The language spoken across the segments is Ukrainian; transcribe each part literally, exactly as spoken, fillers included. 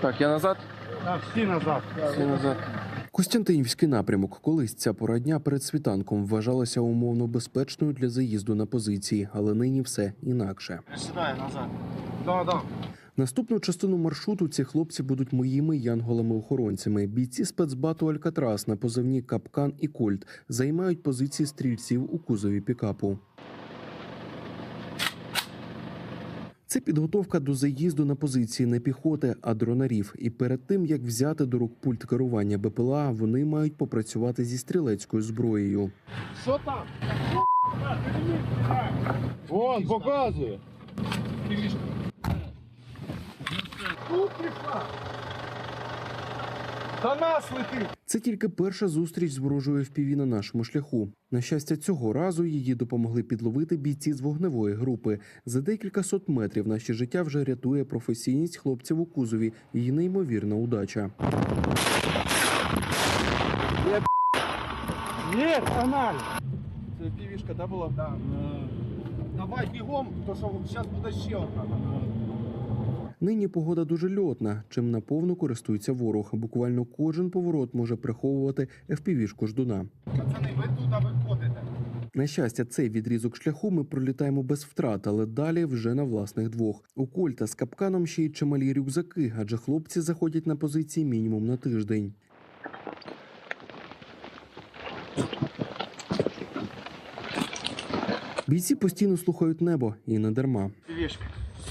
Так, я назад? Так, всі назад. Всі назад. Костянтинівський напрямок. Колись ця пора дня перед світанком вважалася умовно безпечною для заїзду на позиції, але нині все інакше. Сідай назад. Да, да. Наступну частину маршруту ці хлопці будуть моїми янголами-охоронцями. Бійці спецбату «Алькатрас» на позивні «Капкан» і «Кольт» займають позиції стрільців у кузові пікапу. Це підготовка до заїзду на позиції не піхоти, а дронарів. І перед тим, як взяти до рук пульт керування БПЛА, вони мають попрацювати зі стрілецькою зброєю. Що там? Вон, показує. До нас летить. Це тільки перша зустріч з ворожою еф пі ві на нашому шляху. На щастя, цього разу її допомогли підловити бійці з вогневої групи. За декілька сот метрів наше життя вже рятує професійність хлопців у кузові і неймовірна удача. Є, каналі. Це півішка, да, була? Да. Давай бігом, то що зараз буде ще одна. Нині погода дуже льотна, чим наповну користується ворог. Буквально кожен поворот може приховувати еф пі ві-шку ждуна. Пацани, ви туди виходите. На щастя, цей відрізок шляху ми пролітаємо без втрат, але далі вже на власних двох. У «Кольта» з «Капканом» ще й чималі рюкзаки, адже хлопці заходять на позиції мінімум на тиждень. Бійці постійно слухають небо, і не дарма. Півішки.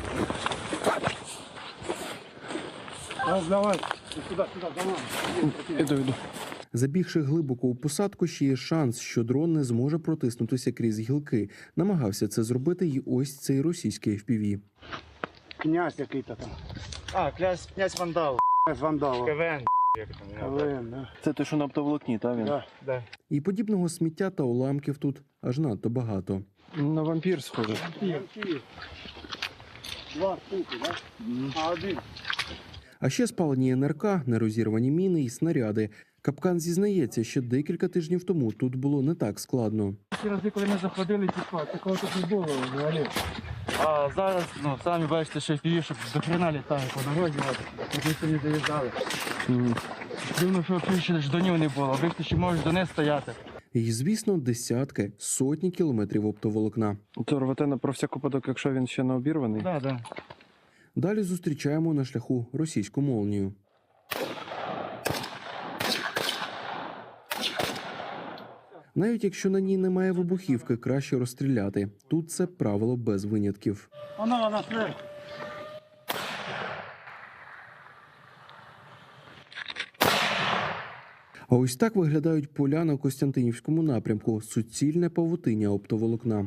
Давай, давай. Сюди, сюди, давай. Іду, іду. Забігши глибоко у посадку, ще є шанс, що дрон не зможе протиснутися крізь гілки. Намагався це зробити і ось цей російський еф пі ві. Князь який-то там. А, князь, князь Вандал. Князь Вандала. КВН, як там. КВН, да. Це той, що на оптоволокні, та він? Да. Да. І подібного сміття та уламків тут аж надто багато. На вампір схоже. Два штуки, да? А один. А ще спалені ен ер ка, нерозірвані міни і снаряди. «Капкан» зізнається, що декілька тижнів тому тут було не так складно. Ті рази, коли ми заходили, типа, такого тут не було взагалі. А зараз, ну, самі бачите, що півішок до хрена літає по дорозі, от, ми сьогодні доїжджали. Дивно, що більше ждонів не було, ви ще можеш до них стояти. І, звісно, десятки, сотні кілометрів оптоволокна. То рвете на про всяк випадок, якщо він ще не обірваний? Да, да. Далі зустрічаємо на шляху російську молнію. Навіть якщо на ній немає вибухівки, краще розстріляти. Тут це правило без винятків. Вона, вона, смерть. А ось так виглядають поля на Костянтинівському напрямку. Суцільне павутиння оптоволокна.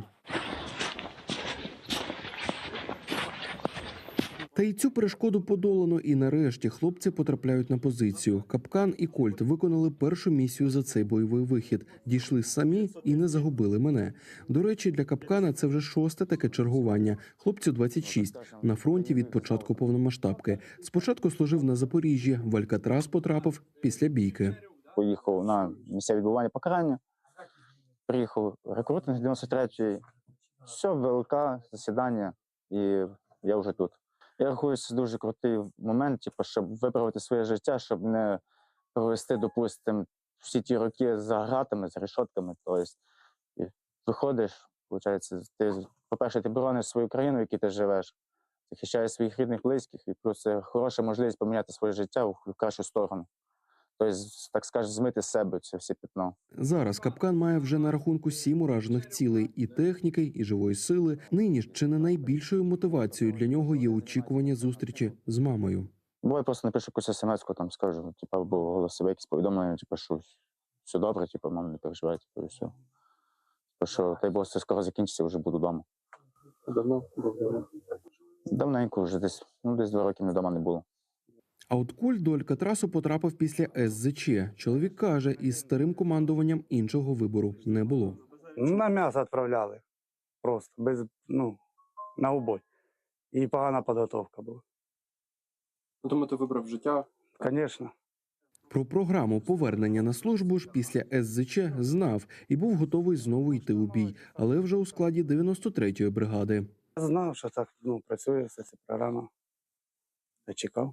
Та й цю перешкоду подолано, і нарешті хлопці потрапляють на позицію. «Капкан» і «Кольт» виконали першу місію за цей бойовий вихід. Дійшли самі і не загубили мене. До речі, для «Капкана» це вже шосте таке чергування. Хлопцю двадцять шість. На фронті від початку повномасштабки. Спочатку служив на Запоріжжі, в «Алькатрас» потрапив після бійки. Поїхав на місце відбування покарання, приїхав рекрутинг дев'яносто третьої, все, ВЛК, засідання, і я вже тут. Я рахую, це дуже крутий момент, типу, щоб виправити своє життя, щоб не провести, допустимо, всі ті роки за гратами, за решотками. Тобто, і виходиш, виходить, ти, по-перше, ти борониш свою країну, в якій ти живеш, захищаєш своїх рідних, близьких, і плюс це хороша можливість поміняти своє життя в кращу сторону. Тобто, так скажеш, змити з себе це все пятно. Зараз «Капкан» має вже на рахунку сім уражених цілей – і техніки, і живої сили. Нині ж чи не найбільшою мотивацією для нього є очікування зустрічі з мамою. Бо я просто напишу якусь смс-ку, там скажу, типу, або голосове якісь повідомлення, типу, що все добре, типу, мама, не переживай, типу, і все. Типу, що, дай Бог, це скоро закінчиться, вже буду вдома. Давно? Давно. Давненько вже десь, ну, десь два роки ми вдома не було. А от «Кольт» до «Алькатрасу» потрапив після ес зет че. Чоловік каже, із старим командуванням іншого вибору не було. На м'ясо відправляли. Просто, без, ну, на убой. І погана підготовка була. Тому ти вибрав життя? Звісно. Про програму повернення на службу ж після ес зет че знав і був готовий знову йти у бій, але вже у складі дев'яносто третьої бригади. Знав, що так, ну, працює вся ця програма. Я чекав.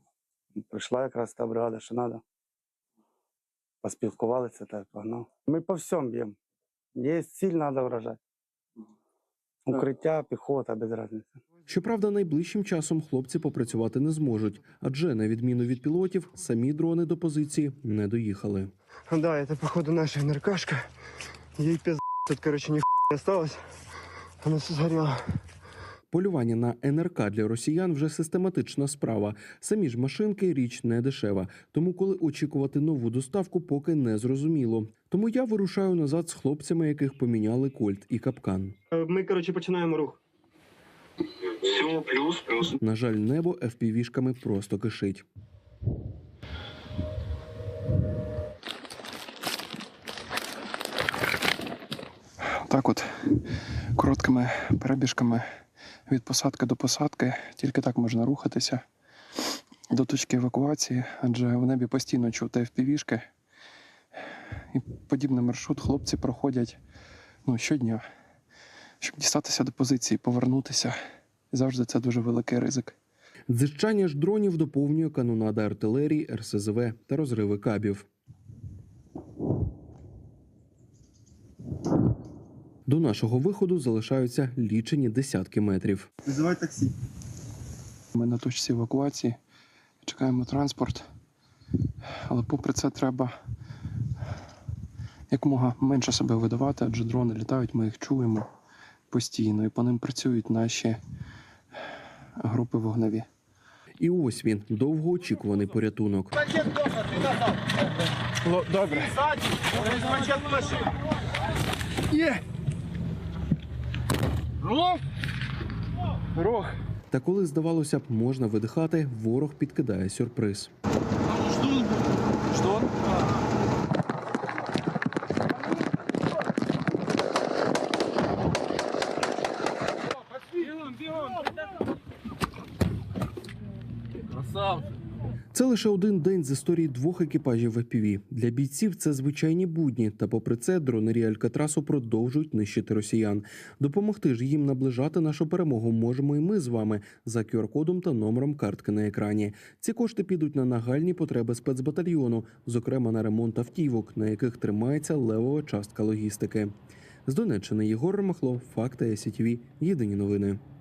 Прийшла якраз та бригада, що треба. Поспілкувалися та погнав. Ми по всьому б'ємо. Є ціль, треба вражати. Укриття, піхота, без різниці. Щоправда, найближчим часом хлопці попрацювати не зможуть, адже, на відміну від пілотів, самі дрони до позиції не доїхали. Да, это походу наша НРКшка. Ей пиз... Тут, короче, нихуя не осталось. Она все сгорела. Полювання на ен ер ка для росіян вже систематична справа. Самі ж машинки – річ не дешева. Тому коли очікувати нову доставку, поки не зрозуміло. Тому я вирушаю назад з хлопцями, яких поміняли кольт і капкан. Ми, короче, починаємо рух. Все, плюс, плюс. На жаль, небо еф пі ві-шками просто кишить. Так от, короткими перебіжками від посадки до посадки, тільки так можна рухатися до точки евакуації, адже в небі постійно чути еф пі ві-шки. І подібний маршрут хлопці проходять ну, щодня, щоб дістатися до позиції, повернутися. І завжди це дуже великий ризик. Дзижчання ж дронів доповнює канонада артилерії, ер ес зе ве та розриви кабів. До нашого виходу залишаються лічені десятки метрів. Вызывай такси. Ми на точці евакуації, чекаємо транспорт, але попри це треба якомога менше себе видавати, адже дрони літають, ми їх чуємо постійно, і по ним працюють наші групи вогневі. І ось він, довгоочікуваний порятунок. Пакет дома, ти назад. Добре. Ззаді, ось пакет машини. Рог. Та коли, здавалося б, можна видихати, ворог підкидає сюрприз. Що? Це лише один день з історії двох екіпажів еф пі ві. Для бійців це звичайні будні, та попри це дронері Алькатрасу продовжують нищити росіян. Допомогти ж їм наближати нашу перемогу можемо і ми з вами за ку ар-кодом та номером картки на екрані. Ці кошти підуть на нагальні потреби спецбатальйону, зокрема на ремонт автівок, на яких тримається левова частка логістики. З Донеччини Єгор Ромахло, Факти ай сі ті ві, єдині новини.